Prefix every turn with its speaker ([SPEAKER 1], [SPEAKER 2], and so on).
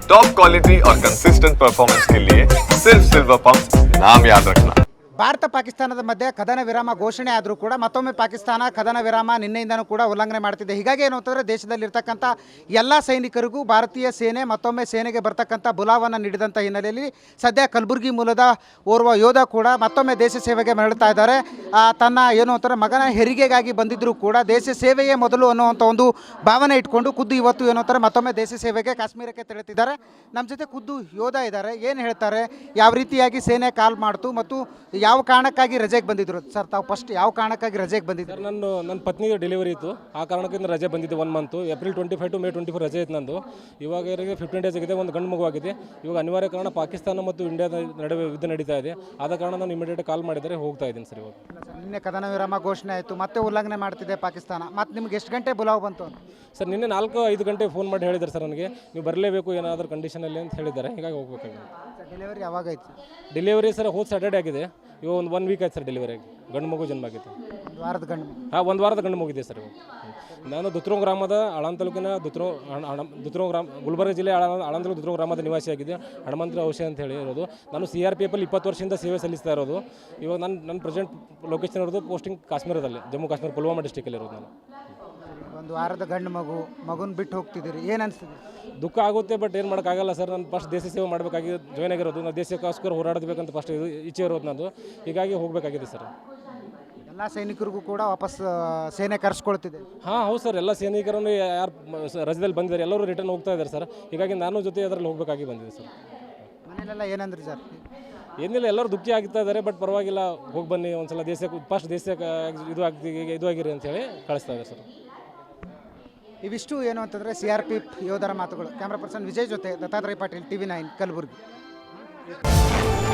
[SPEAKER 1] Top quality और consistent performance के लिए सिर्फ सिल्वर पंप नाम याद रखना।
[SPEAKER 2] ಭಾರತ ಪಾಕಿಸ್ತಾನದ ಮಧ್ಯೆ ಕದನ ವಿರಾಮ ಘೋಷಣೆ ಆದರೂ ಕೂಡ ಮತ್ತೊಮ್ಮೆ ಪಾಕಿಸ್ತಾನ ಕದನ ವಿರಾಮ ನಿನ್ನೆಯಿಂದನೂ ಕೂಡ ಉಲ್ಲಂಘನೆ ಮಾಡ್ತಿದೆ. ಹೀಗಾಗಿ ಏನು ಅಂತಂದರೆ ದೇಶದಲ್ಲಿರ್ತಕ್ಕಂಥ ಎಲ್ಲ ಸೈನಿಕರಿಗೂ ಭಾರತೀಯ ಸೇನೆ ಮತ್ತೊಮ್ಮೆ ಸೇನೆಗೆ ಬರ್ತಕ್ಕಂಥ ಬುಲಾವನ್ನು ನೀಡಿದಂಥ ಹಿನ್ನೆಲೆಯಲ್ಲಿ ಸದ್ಯ ಕಲಬುರಗಿ ಮೂಲದ ಓರ್ವ ಯೋಧ ಕೂಡ ಮತ್ತೊಮ್ಮೆ ದೇಶ ಸೇವೆಗೆ ಮರಳುತ್ತಾ ಇದ್ದಾರೆ. ತನ್ನ ಏನು ಅಂತಾರೆ ಮಗನ ಹೆರಿಗೆಗಾಗಿ ಬಂದಿದ್ದರೂ ಕೂಡ ದೇಶ ಸೇವೆಯೇ ಮೊದಲು ಅನ್ನುವಂಥ ಒಂದು ಭಾವನೆ ಇಟ್ಕೊಂಡು ಖುದ್ದು ಇವತ್ತು ಏನು ಅಂತಾರೆ ಮತ್ತೊಮ್ಮೆ ದೇಶ ಸೇವೆಗೆ ಕಾಶ್ಮೀರಕ್ಕೆ ತೆರಳುತ್ತಿದ್ದಾರೆ. ನಮ್ಮ ಜೊತೆ ಖುದ್ದು ಯೋಧ ಇದ್ದಾರೆ. ಏನು ಹೇಳ್ತಾರೆ, ಯಾವ ರೀತಿಯಾಗಿ ಸೇನೆ ಕಾಲ್ ಮಾಡ್ತು ಮತ್ತು ಯಾವ ಕಾರಣಕ್ಕಾಗಿ ರಜೆಗೆ ಬಂದಿದ್ರು ಸರ್? ತಾವು ಫಸ್ಟ್ ಯಾವ ಕಾರಣಕ್ಕಾಗಿ ರಜೆಗೆ ಬಂದಿದ್ರು?
[SPEAKER 3] ಸರ್, ನನ್ನ ಪತ್ನಿಗೆ ಡೆಲಿವರಿ ಇತ್ತು. ಆ ಕಾರಣಕ್ಕಿಂತ ರಜೆ ಬಂದಿದ್ದೆ 1 ಮಂತು. ಏಪ್ರಿಲ್ 25 ಟು ಮೇ 24 ರಜೆ ಇತ್ತು ನಂದು. ಇವಾಗ 15 ಡೇಸ್ ಆಗಿದೆ. ಒಂದು ಗಂಡು ಮಗು ಆಗಿದೆ. ಇವಾಗ ಅನಿವಾರ್ಯ ಕಾರಣ ಪಾಕಿಸ್ತಾನ ಮತ್ತು ಇಂಡಿಯಾದ ನಡುವೆ ಯುದ್ಧ ನಡೀತಾ ಇದೆ. ಆದ ಕಾರಣ ನಾನು ಇಮಿಡಿಯೇಟ್ ಕಾಲ್ ಮಾಡಿದರೆ ಹೋಗ್ತಾ ಇದ್ದೀನಿ ಸರ್. ಇವಾಗ
[SPEAKER 2] ನಿನ್ನೆ ಕದನ ವಿರಾಮ ಘೋಷಣೆ ಆಯಿತು, ಮತ್ತೆ ಉಲ್ಲಂಘನೆ ಮಾಡ್ತಿದೆ ಪಾಕಿಸ್ತಾನ. ಮತ್ತು ನಿಮ್ಗೆ ಎಷ್ಟು ಗಂಟೆ ಬುಲಾವ್ ಬಂತು?
[SPEAKER 3] ಸರ್, ನಿನ್ನೆ 4-5 ಗಂಟೆ ಫೋನ್ ಮಾಡಿ ಹೇಳಿದ್ದಾರೆ ಸರ್ ನನಗೆ, ನೀವು ಬರಲೇಬೇಕು ಏನಾದರೂ ಕಂಡೀಷನಲ್ಲಿ ಅಂತ ಹೇಳಿದ್ದಾರೆ. ಹೀಗಾಗಿ ಹೋಗ್ಬೇಕಾಗಿದೆ.
[SPEAKER 2] ಡೆಲಿವರಿ ಯಾವಾಗ ಆಯ್ತು?
[SPEAKER 3] ಡೆಲಿವರಿ ಸರ್ ಹೋದ ಸ್ಯಾಟರ್ಡೇ ಆಗಿದೆ. ಇವಾಗ ಒಂದು 1 ವೀಕ್ ಆಯ್ತು ಸರ್ ಡೆಲಿವರಿ ಆಗಿ. ಗಂಡು ಮಗು ಜನ್ಮ ಆಗಿತ್ತು.
[SPEAKER 2] ಒಂದು ವಾರದ ಗಂಡು?
[SPEAKER 3] ಹಾಂ, 1 ವಾರದ ಗಂಡು ಮಗು ಇದೆ ಸರ್. ಇವಾಗ ನಾನು ದುತ್ರೋ ಗ್ರಾಮದ ಆಳಂದ ತಾಲೂಕಿನ ದುತ್ರೋ ಗ್ರಾಮ, ಗುಲ್ಬರ್ಗ ಜಿಲ್ಲೆ ಆಳಂದ ತಾಲೂಕು ದುತ್ರೋ ಗ್ರಾಮದ ನಿವಾಸಿಯಾಗಿದೆ. ಹನುಮಂತರ ಔಷಧ ಅಂತ ಹೇಳಿ ಇರೋದು. ನಾನು CRPF 20 ವರ್ಷದಿಂದ ಸೇವೆ ಸಲ್ಲಿಸ್ತಾ ಇರೋದು. ಇವಾಗ ನನ್ನ ಪ್ರೆಸೆಂಟ್ ಲೊಕೇಶನ್ ಇರೋದು ಪೋಸ್ಟಿಂಗ್ ಕಾಶ್ಮೀರದಲ್ಲಿ, ಜಮ್ಮು ಕಾಶ್ಮೀರ ಪುಲ್ವಾಮಾ ಡಿಸ್ಟಿಕಲ್ಲಿ ಇರೋದು ನಾನು.
[SPEAKER 2] ಒಂದು ವಾರದ ಗಂಡು ಮಗುನ ಬಿಟ್ಟು ಹೋಗ್ತಿದ್ದೀರಿ, ಏನು ಅನಿಸ್ತಿದೆ?
[SPEAKER 3] ದುಃಖ ಆಗುತ್ತೆ, ಬಟ್ ಏನು ಮಾಡೋಕ್ಕಾಗಲ್ಲ ಸರ್. ನಾನು ಫಸ್ಟ್ ದೇಶ ಸೇವೆ ಮಾಡಬೇಕಾಗಿ ಜಾಯ್ನ್ ಆಗಿರೋದು. ನಾನು ದೇಶಕ್ಕೋಸ್ಕರ ಹೋರಾಡಬೇಕಂತ ಫಸ್ಟ್ ಇಚ್ಛೆ ಇರೋದು ನಂದು. ಹೀಗಾಗಿ ಹೋಗಬೇಕಾಗಿದೆ ಸರ್.
[SPEAKER 2] ಎಲ್ಲ ಸೈನಿಕರಿಗೂ ಕೂಡ ವಾಪಸ್ ಸೇನೆ ಕರೆಸ್ಕೊಳ್ತಿದೆ?
[SPEAKER 3] ಹಾಂ, ಹೌದು ಸರ್. ಎಲ್ಲ ಸೈನಿಕರನ್ನು ಯಾರು ರಜದಲ್ಲಿ ಬಂದಿದ್ದಾರೆ ಎಲ್ಲರೂ ರಿಟರ್ನ್ ಹೋಗ್ತಾ ಇದ್ದಾರೆ ಸರ್. ಹೀಗಾಗಿ ನಾನು ಜೊತೆ ಅದರಲ್ಲಿ ಹೋಗಬೇಕಾಗಿ ಬಂದಿದೆ ಸರ್.
[SPEAKER 2] ಮನೆಯಲ್ಲೆಲ್ಲ ಏನಂದ್ರಿ ಸರ್?
[SPEAKER 3] ಏನಿಲ್ಲ, ಎಲ್ಲರೂ ದುಃಖಿ ಆಗ್ತಾ ಇದ್ದಾರೆ. ಬಟ್ ಪರವಾಗಿಲ್ಲ, ಹೋಗಿ ಬನ್ನಿ ಒಂದ್ಸಲ ದೇಶಕ್ಕೆ, ಫಸ್ಟ್ ದೇಶಕ್ಕೆ ಇದು ಆಗಿರಿ ಅಂತೇಳಿ ಕಳಿಸ್ತಾ ಇದ್ದಾರೆ ಸರ್.
[SPEAKER 2] ಇವಿಷ್ಟು ಏನು ಅಂತಂದರೆ CRPF ಯೋಧರ ಮಾತುಗಳು. ಕ್ಯಾಮ್ರಾ ಪರ್ಸನ್ ವಿಜಯ್ ಜೊತೆ ದತ್ತಾತ್ರೇಯ ಪಾಟೀಲ್, TV9 ಕಲಬುರಗಿ.